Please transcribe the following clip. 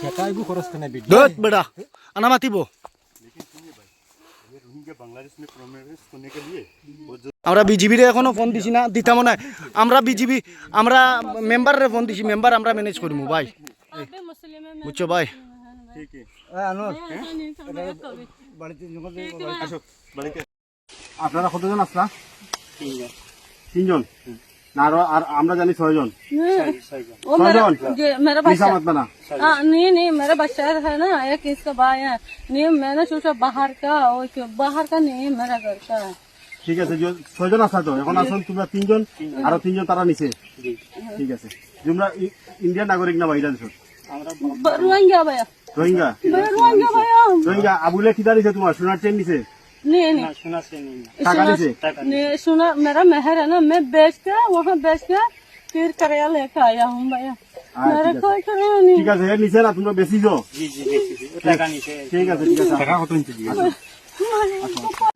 ठेकाइबो खरच करने बेटी दत बेटा आना मातिब बांग्लादेश में प्रॉमिस करने के लिए আমরা বিজিবিরে এখনো ফোন দিছি না দিতাম না আমরা বিজিবি আমরা মেম্বারে ফোন দিছি মেম্বার আমরা ম্যানেজ করবো ভাই বুঝছো ভাই ठीक है আনোর বাড়িতে আসো বাড়িতে আপনারা কতজন আসলা তিনজন না আর আমরা জানি 6 জন वो मेरा मेरा बच्चा मत बना नहीं नहीं मेरा बच्चा है ना एक इसका भाई है नहीं मैंने सोचा बाहर का बाहर का नहीं मेरा घर का है ঠিক আছে 6 জন আসা তো এখন আসুন তোমরা তিনজন আর তিনজন তারা নিচে ঠিক আছে তোমরা ইন্ডিয়ান নাগরিক না বাইরে দেশ रोहिंग्या भैया রোহিঙ্গা रोहिंग्या भैया রোহিঙ্গা আবুলে কি দাঁড়িয়েছে তোমার সোনার চেন নিচে नहीं नहीं টাকা নিচে नहीं सुना मेरा मेहर है ना मैं बेच के वहाँ बेच के फिर कराया लेके आया हूँ भैया मेरा कोई कराया नहीं ঠিক আছে এর নিচে না তোমরা বেশি যাও जी जी टाका नीचे ঠিক আছে টাকা কত নিচে